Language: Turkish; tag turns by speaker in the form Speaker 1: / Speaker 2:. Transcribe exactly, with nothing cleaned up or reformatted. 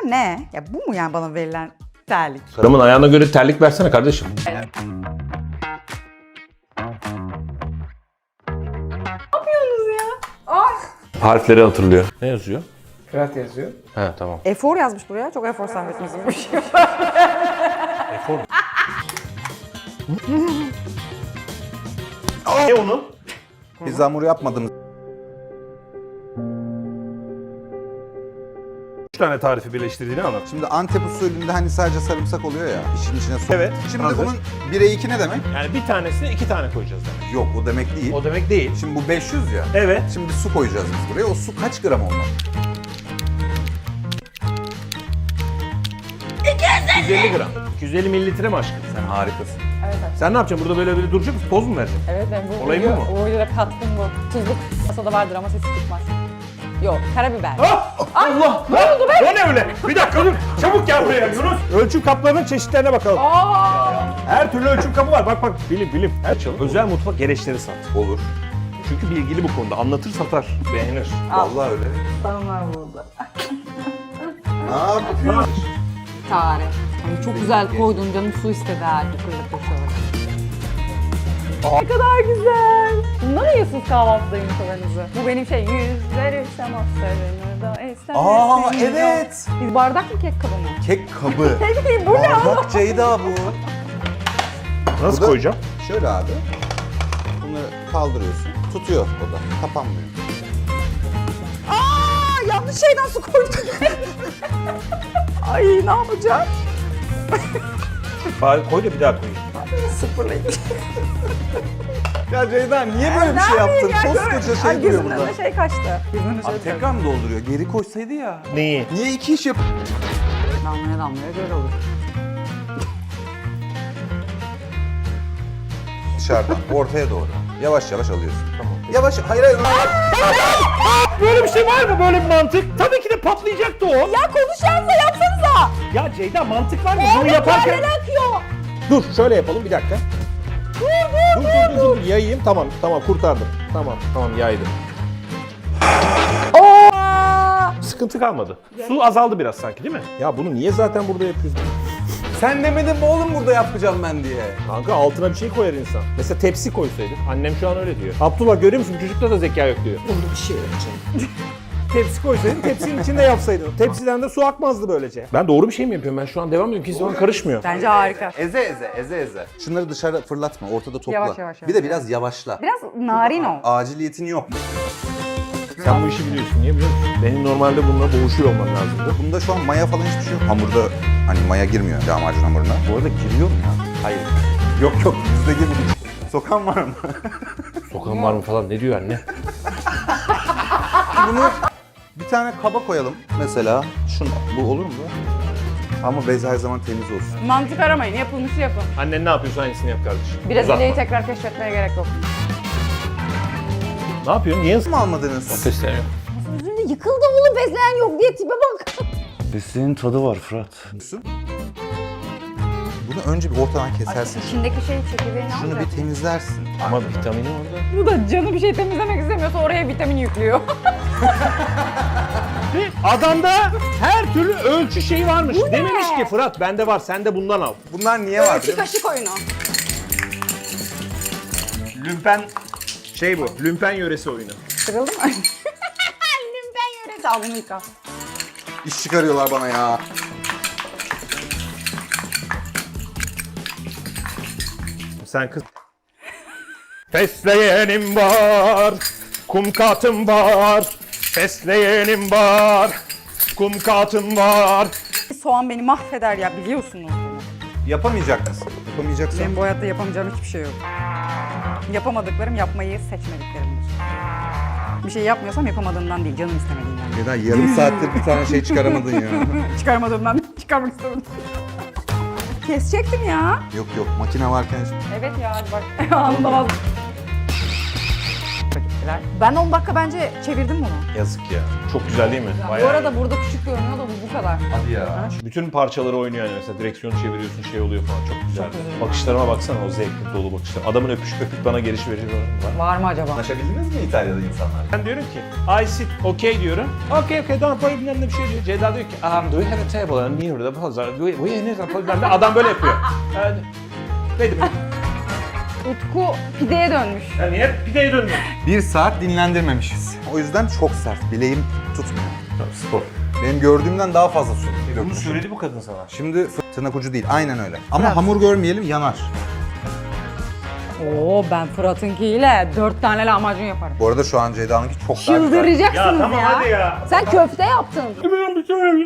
Speaker 1: ne? Ya bu mu yani bana verilen terlik?
Speaker 2: Karımın ayağına göre terlik versene kardeşim.
Speaker 1: Ne yapıyorsunuz ya? Ay.
Speaker 2: Harfleri hatırlıyor. Ne yazıyor?
Speaker 3: Fırat yazıyor.
Speaker 2: He tamam.
Speaker 1: Efor yazmış buraya. Çok efor sarf etmesiymiş.
Speaker 2: Efor. Ne onu?
Speaker 4: Biz hamur yapmadığımız
Speaker 2: Üç tane tarifi birleştirdiğini anlat.
Speaker 4: Şimdi Antep usulünde hani sadece sarımsak oluyor ya, işin içine su.
Speaker 2: Evet,
Speaker 4: Şimdi
Speaker 2: hazır.
Speaker 4: bunun bire iki ne demek?
Speaker 2: Yani bir tanesine iki tane koyacağız demek.
Speaker 4: Yok, o demek değil.
Speaker 2: O demek değil.
Speaker 4: Şimdi bu beş yüz ya.
Speaker 2: Evet.
Speaker 4: Şimdi su koyacağız biz buraya. O su kaç gram olmalı?
Speaker 2: iki yüz elli gram. iki yüz elli mililitre mi aşkım?
Speaker 4: Sen harikasın.
Speaker 1: Evet evet.
Speaker 2: Sen ne yapacaksın? Burada böyle böyle duracak mısın? Poz mu vereceksin?
Speaker 1: Evet ben bu
Speaker 2: Olayı
Speaker 1: video,
Speaker 2: bu mu?
Speaker 1: bu videoda katkım bu. Tuzluk masada vardır ama sesi çıkmaz. Yok, karabiber.
Speaker 2: Ah! Allah! Ne oldu be? O ne öyle? Bir dakika dur. Çabuk gel buraya Yunus. Ölçüm kaplarının çeşitlerine bakalım.
Speaker 1: Aa!
Speaker 2: Her türlü ölçüm kapı var. Bak bak bilim bilim. Her çalı. Özel mutfak gereçleri sat.
Speaker 4: Olur.
Speaker 2: Çünkü bilgili bu konuda. Anlatır satar. Beğenir.
Speaker 4: Vallahi öyle.
Speaker 1: Tamam burada.
Speaker 4: Ne yapıyorsun?
Speaker 1: Tare. Ay çok güzel koydun canım su istedi ha. Yukarıda koşuyorlar. Ne kadar güzel. Bundan yiyorsunuz kahvaltıda yumurtalarınızı. Bu benim şey yüzleri semaslarını da esnemesi.
Speaker 4: Aa evet.
Speaker 1: Biz bardak mı kek kabı mı?
Speaker 4: Kek kabı.
Speaker 1: Peki bu ne?
Speaker 4: Bardak Ceyda bu.
Speaker 2: Nasıl
Speaker 4: Bu da-
Speaker 2: koyacağım?
Speaker 4: Şöyle abi. Bunları kaldırıyorsun. Tutuyor o da. Kapanmıyor.
Speaker 1: Aa, yanlış şeyden su koydum. Ay ne yapacağım?
Speaker 2: Bari koy da bir daha koyayım.
Speaker 1: Sıfırlayın.
Speaker 4: Ya Ceyda niye böyle bir şey yaptın? Koskoca şey duruyor burada.
Speaker 1: Gözümden şey kaçtı. Gözümden
Speaker 4: Abi tekrar mı dolduruyor? Geri koysaydı ya.
Speaker 2: Neyi?
Speaker 4: Niye iki iş yap?
Speaker 1: Damlaya damlaya göl olur.
Speaker 4: Dışarıdan ortaya doğru. Yavaş yavaş alıyorsun. Tamam. Yavaş. Hayır hayır.
Speaker 2: Böyle bir şey var mı? Böyle bir mantık? Tabii ki de patlayacaktı o.
Speaker 1: Ya konuşacağınıza yapsanıza.
Speaker 2: Ya Ceyda mantık var mı? Bunu yaparken...
Speaker 1: akıyor.
Speaker 2: Dur şöyle yapalım bir dakika.
Speaker 1: Dur dur
Speaker 2: Dur dur dur dur yayayım. Tamam tamam kurtardım. Tamam tamam yaydım.
Speaker 1: Oo.
Speaker 2: Sıkıntı kalmadı. Su azaldı biraz sanki değil mi? Ya bunu niye zaten burada yapıyorsun?
Speaker 4: Sen demedin mi oğlum burada yapacağım ben diye.
Speaker 2: Kanka altına bir şey koyar insan. Mesela tepsi koysaydık. Annem şu an öyle diyor. Abdullah görüyor musun? Çocukta da zeka yok diyor.
Speaker 1: Burada bir şey yapacağım.
Speaker 2: Tepsi koysaydın, tepsinin içinde yapsaydın. Tepsiden de su akmazdı böylece. Ben doğru bir şey mi yapıyorum? Ben şu an devam ediyorum. Kimse bana karışmıyor.
Speaker 1: Bence harika.
Speaker 4: Eze eze eze eze. Şunları dışarı fırlatma. Ortada topla.
Speaker 1: Yavaş, yavaş,
Speaker 4: Bir de biraz yavaşla.
Speaker 1: Biraz narin ol.
Speaker 4: Aciliyetin yok.
Speaker 2: Sen bu işi biliyorsun. Niye biliyor musun? Benim normalde bununla boğuşuyor olmam lazımdı.
Speaker 4: Bunda şu an maya falan hiçbir şey yok. Hamurda hani maya girmiyor lahmacun hamuruna. Bu arada giriyor mu ya? Hayır. Yok yok bizde girmiyor. Sokan var mı?
Speaker 2: Sokan var mı falan ne diyor anne?
Speaker 4: Bunu bir tane kaba koyalım. Mesela şunu. Bu olur mu? Ama bez her zaman temiz olsun.
Speaker 1: Mantık aramayın. Yapılmışı yapın.
Speaker 2: Annen ne yapıyorsa aynısını yap kardeşim.
Speaker 1: Brezilya'yı
Speaker 2: Uzatma.
Speaker 1: tekrar keşfetmeye gerek yok.
Speaker 2: Ne yapıyorsun? Niye
Speaker 4: Nasıl mı almadınız?
Speaker 2: sesleniyor?
Speaker 1: Yüzünde yıkıldı oğlum bezleyen yok diye tipe bak.
Speaker 5: Besleğin tadı var Fırat.
Speaker 4: Bunu önce bir ortadan kesersin.
Speaker 1: İçindeki şey çekirdeğini
Speaker 4: Şunu
Speaker 1: alacak.
Speaker 4: bir temizlersin.
Speaker 2: Ama vitamini orada.
Speaker 1: Bu da canı bir şey temizlemek istemiyorsa oraya vitamin yüklüyor.
Speaker 2: Adamda her türlü ölçü şeyi varmış. Dememiş ki Fırat bende var sen de bundan al.
Speaker 4: Bunlar niye var?
Speaker 1: Ölçü kaşık oyunu.
Speaker 2: Lümpen şey bu. Lümpen yöresi oyunu.
Speaker 1: Kırıldı mı? Lümpen yöresi. Al bunu yıka.
Speaker 4: İş çıkarıyorlar bana ya.
Speaker 2: Sen kız. Fesleğenim var, kum katım var. Fesleğenim var, kum katım var.
Speaker 1: Soğan beni mahveder ya biliyorsunuz bunu.
Speaker 4: Yapamayacak mısın? Yapamayacaksan.
Speaker 1: Benim bu hayatta yapamayacağım hiçbir şey yok. Yapamadıklarım yapmayı seçmediklerimdir. Bir şey yapmıyorsam yapamadığımdan değil, canım istemediğinden.
Speaker 4: Neden yarım saattir bir tane şey çıkaramadın ya?
Speaker 1: Çıkarmadığımdan çıkarmak istemedim. Kesecektim ya.
Speaker 4: Yok yok makine varken
Speaker 1: Evet ya hadi bak. Anında vazgeçtim. bizimkiler. Ben on dakika bence çevirdim bunu.
Speaker 2: Yazık ya. Çok güzel değil mi?
Speaker 1: Bu
Speaker 2: Bayağı
Speaker 1: arada burada küçük görünüyor da bu bu kadar.
Speaker 4: Hadi ya.
Speaker 2: bütün parçaları oynuyor yani mesela direksiyonu çeviriyorsun şey oluyor falan çok güzel.
Speaker 1: Çok güzel.
Speaker 2: Bakışlarıma baksana o zevkli dolu bakışlar. Adamın öpüş öpüp bana geliş verici var.
Speaker 1: Var mı acaba?
Speaker 4: Anlaşabildiniz mi İtalya'da insanlar?
Speaker 2: Ben diyorum ki I sit okay diyorum. Okay okay don't worry bilmem ne bir şey diyor. Ceyda diyor ki um, do you have a table and near the pazar? We we ne zaman adam böyle yapıyor. Yani, dedim.
Speaker 1: Utku pideye dönmüş.
Speaker 2: Yani niye pideye döndün?
Speaker 4: Bir saat dinlendirmemişiz. O yüzden çok sert. Bileğim tutmuyor.
Speaker 2: Spor.
Speaker 4: Benim gördüğümden daha fazla su
Speaker 2: Bunu
Speaker 4: dökmüşüm.
Speaker 2: söyledi bu kadın sana.
Speaker 4: Şimdi fı- tırnak ucu değil. Aynen öyle. Ama hamur görmeyelim yanar.
Speaker 1: Oo ben Fırat'ınkiyle dört tane lahmacun yaparım.
Speaker 4: Bu arada şu an Ceyda'nınki çok daha güzel.
Speaker 1: Çıldıracaksınız
Speaker 2: Ya tamam
Speaker 1: ya.
Speaker 2: hadi ya.
Speaker 1: Sen köfte yaptın.